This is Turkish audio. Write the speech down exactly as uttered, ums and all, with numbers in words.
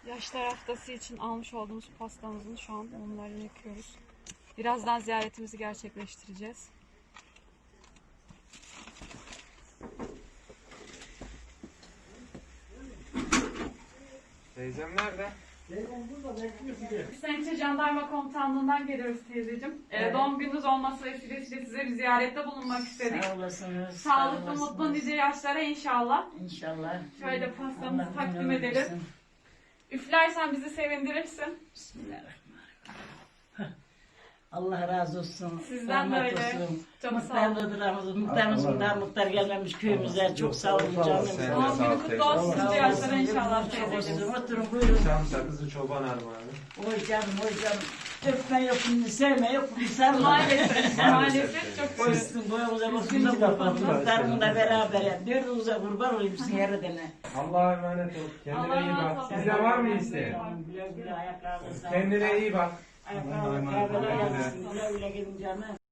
Yaşlar haftası için almış olduğumuz pastamızın şu an mumlarını yakıyoruz. Birazdan ziyaretimizi gerçekleştireceğiz. Teyzem nerede? Biz Sençe Jandarma Komutanlığı'ndan geliyoruz teyzeciğim. Ee, Evet. Doğum gününüz olması vesilesiyle size bir ziyarette bulunmak istedik. Sağ olasınız. Sağlıklı, sağ olasınız. mutlu nice yaşlara inşallah. İnşallah. Şöyle pastamızı Allah takdim ömür edelim. versin. Üflersen bizi sevindirirsin. Bismillahirrahmanirrahim. Allah razı olsun. Sizden rahmet böyle. olsun. Çok sağ olun. Muhtarlıdır Ramazan. Muhtarımız bundan muhtar gelmemiş köyümüze. Çok sağ olun canım. Sen de Doğum sağ ol günü kutlu teyze. olsun Sağ nice yaşlara olasın. inşallah Çok teyzeciğim. olsun. Oturun buyurun. Çam sakızı çoban armağanı. Oy canım oy canım. Öpme yok bunu sevme yok bunu sarma. Maalesef, maalesef çok güzel. Koysun boyumuza boyumuza kurban. Muhtarımla beraber ya. Dördünüze kurban olayım sizin yerine. Allah'a emanet ol. Kendine iyi bak. Sizde var mı isteyen? Güle güle ayaklarınıza. Kendine iyi bak. Ayaklarınıza. Güle güle gidin canım.